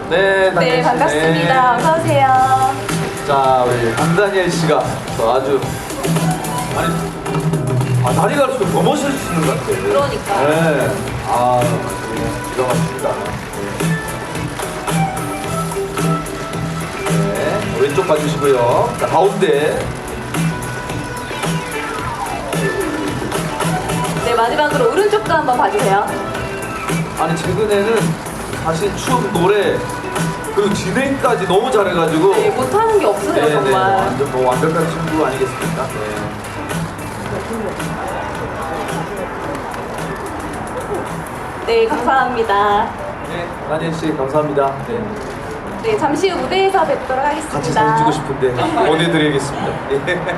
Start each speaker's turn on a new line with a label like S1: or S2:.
S1: 네, 다니엘
S2: 네,
S1: 씨.
S2: 반갑습니다.
S1: 네.
S2: 어서 오세요.
S1: 자, 우리 안다니엘 씨가 또 아주 다리가 좀 더 멋있으시는 것 같아요.
S2: 그러니까.
S1: 네. 아, 기가 막힙니다. 네, 왼쪽 봐주시고요. 자, 가운데.
S2: 네, 마지막으로 오른쪽도 한번 봐주세요.
S1: 아니, 최근에는 사실 춤, 노래, 그리고 진행까지 너무 잘해가지고.
S2: 네, 못하는 게 없어요,
S1: 네,
S2: 정말.
S1: 완전 뭐 완벽한 친구 아니겠습니까? 네.
S2: 네, 감사합니다.
S1: 네, 다니엘 씨 감사합니다. 네.
S2: 네, 잠시 후 무대에서 뵙도록 하겠습니다.
S1: 같이 사진 찍고 싶은데 보내드리겠습니다. 예.